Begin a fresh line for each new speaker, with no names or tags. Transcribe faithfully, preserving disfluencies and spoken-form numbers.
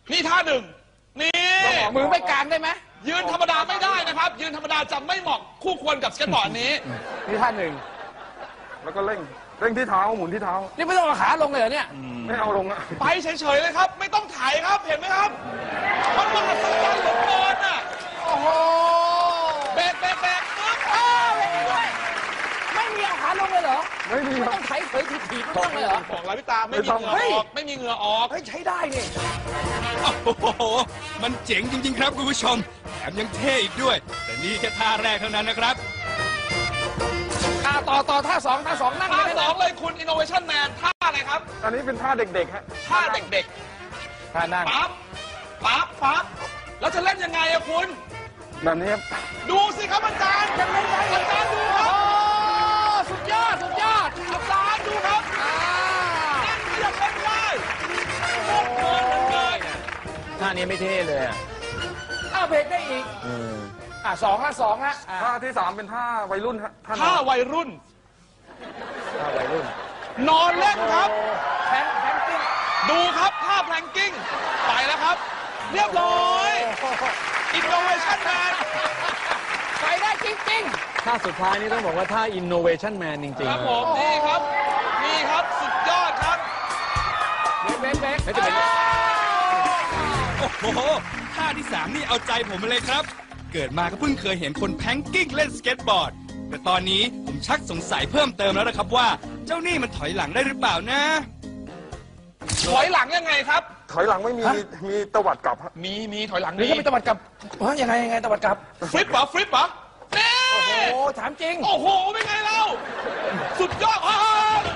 นี่ท่าหนึ่งนี่
มือไม่กลางได้ไหม
ยืนธรรมดาไม่ได้นะครับยืนธรรมดาจะไม่เหมาะคู่ควรกับสเก็ตบอร์ดนี้
นี่ท่าหนึ่ง
แล้วก็เร่งเร่งที่เท้าหมุนที่เท้า
นี่ไม่ต้องเอาขาลงเลยเหรอเนี่ย
ไม่เอาลงอะ
ไปเฉยๆเลยครับไม่ต้องถ่ายครับเห็นไหมครับมันมหัศจรรย์เหลือเกินอ่ะ
โอ้โห
เบรกเบรกเบรกปึ๊บ
อ้าวเบรกด้วยไม่มีเอาขาลงเลยเหรอ
ไม่มี
ไม่ต้องไถเผยถีบๆไม่ต้องเลยเหรอ
บอกแล้วพี่ตาไม่มีเหงื่อออกไม่มีเหงื่อออก
เฮ้ยใช้ได้นี่
โอ้โหมันเจ๋งจริงๆครับคุณผู้ชมแถมยังเท่อีกด้วยแต่นี่แค่ท่าแรกเท่านั้นนะครับ
อ่าต่อต่อท่าสองท่าสองนั่ง
ท่าสองเลยคุณ Innovation Man ท่าอะไรครับ
อันนี้เป็นท่าเด็กๆฮะ
ท่าเด็ก
ๆท่านั่ง
ปั๊บปั๊บปั๊บแล้วจะเล่นยังไงอะคุณ
แบบนี้ครับ
ดูสิครับอาจารย์จะเล่นไงอาจารย์ดูครับ
สุดยอดสุดยอด
อาจารย์ดูครับอ่านั่งเรียบเล่นได้โอ้โหเลย
ท่านี้ไม่เท่เลยอ่ะอ้าวเบรกได้อีกอ่ะสองละสองละ
ท่าที่สามเป็นท่าวัยรุ่นฮะ
ท่าวัยรุ่น
ท่าวัยรุ่น
นอนเล่นครับ
แพลงแพลงกิ้ง
ดูครับท่าแพลงกิ้งไปแล้วครับเรียบร้อย Innovation Man
ไปได้จริง
ๆท่าสุดท้ายนี่ต้องบอกว่าท่า Innovation Man จริงๆ
ครับผมนี่ครับนี่ครับสุดยอดครับ
เบรกเบรกเบรก
โอ้โหท่าที่สามนี่เอาใจผมมาเลยครับเกิดมาก็เพิ่งเคยเห็นคนแพงกิ้งเล่นสเก็ตบอร์ดแต่ตอนนี้ผมชักสงสัยเพิ่มเติมแล้วนะครับว่าเจ้านี่มันถอยหลังได้หรือเปล่านะ
ถอยหลังยังไงครับ
ถอยหลังไม่มีมีตวัดกลับ
มีมีถอยหลัง
นี่ก็มีตวัดกลับเฮ้ยยังไงยังไงตวัดกลับ
ฟลิปเหรอฟลิปเหรอ
โอ้โหถามจริง
โอ้โหเป็นไงเราสุดยอด